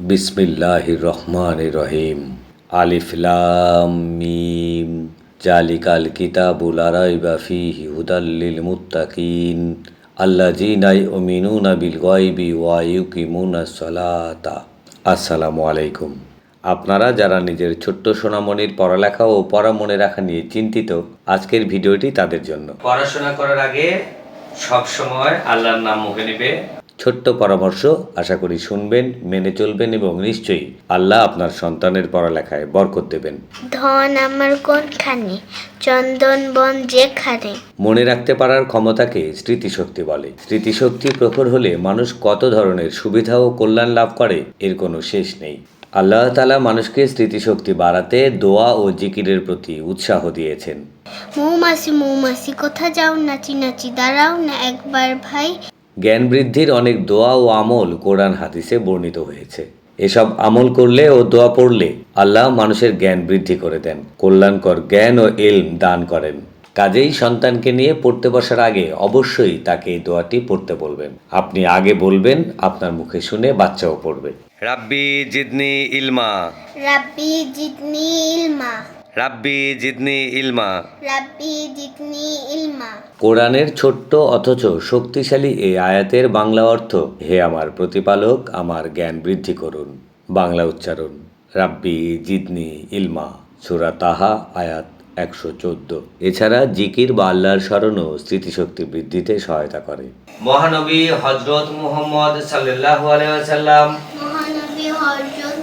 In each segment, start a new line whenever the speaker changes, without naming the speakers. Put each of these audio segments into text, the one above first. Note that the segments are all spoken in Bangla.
বিসমিল্লাহির রহমানির রহিম। আলিফ লাম মিম। জালিকাল কিতাবু লা রাইবা ফীহি হুদাল লিল মুত্তাকিন আল্লাযীনা ইউমিনুনা বিল গায়বি ওয়া ইউকিমুনাস সালাতা। আসসালামু আলাইকুম। আপনারা যারা নিজের ছোট্ট সোনামণির পড়ালেখা ও পড়া মনে রাখা নিয়ে চিন্তিত, আজকের ভিডিওটি তাদের জন্য। পড়াশোনা করার আগে সব সময় আল্লাহর নাম মুখে নেবে। ছোট্ট পরামর্শ, আশা করি শুনবেন, মেনে চলবেন এবং নিশ্চয়ই আল্লাহ আপনার সন্তানের পড়ালেখায় বরকত দেবেন।
ধন আমার কোনখানে, চন্দন বন যেখানে।
মনে রাখতে পারার ক্ষমতাকে স্মৃতিশক্তি বলে। স্মৃতিশক্তি প্রখর হলে মানুষ কত ধরনের সুবিধা ও কল্যাণ লাভ করে, এর কোনো শেষ নেই। আল্লাহ তাআলা মানুষকে স্মৃতিশক্তি বাড়াতে দোয়া ও জিকিরের প্রতি উৎসাহ দিয়েছেন।
মৌমাছি মৌমাছি কোথা যাও, নাচি নাচি দাঁড়াও না একবার ভাই।
জ্ঞান বৃদ্ধির অনেক দোয়া ও আমল কোরআন হাদিসে বর্ণিত হয়েছে। এসব আমল করলে ও দোয়া পড়লে আল্লাহ মানুষের জ্ঞান বৃদ্ধি করে দেন, কল্যাণকর জ্ঞান ও ইলম দান করেন। কাজেই সন্তানকে নিয়ে পড়তে বসার আগে অবশ্যই তাকে এই দোয়াটি পড়তে বলবেন। আপনি আগে বলবেন, আপনার মুখে শুনে বাচ্চাও পড়বে। রাব্বি জিদনি ইলমা,
রাব্বি জিদনি ইলমা,
রাব্বি জিদনি ইলমা।
রাব্বি জিদনি ইলমা।
কোরআনের ছোট্ট অথচ শক্তিশালী এই আয়াতের বাংলা অর্থ: হে আমার প্রতিপালক, আমার জ্ঞান বৃদ্ধি করুন। বাংলা উচ্চারণ: রাব্বি জিদনি ইলমা। সূরা তাহা আয়াত 114। এছাড়া জিকির বা আল্লাহর স্মরণও স্মৃতিশক্তি বৃদ্ধিতে সহায়তা করে। মহানবী হযরত মুহাম্মদ সাল্লাল্লাহু আলাইহি ওয়াসাল্লাম,
মহানবী হযরত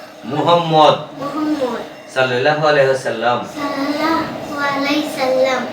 মুহাম্মদ
মুহাম্মদ
সাল্লাল্লাহু আলাইহি ওয়াসাল্লাম
সাল্লাল্লাহু আলাইহি সাল্লাম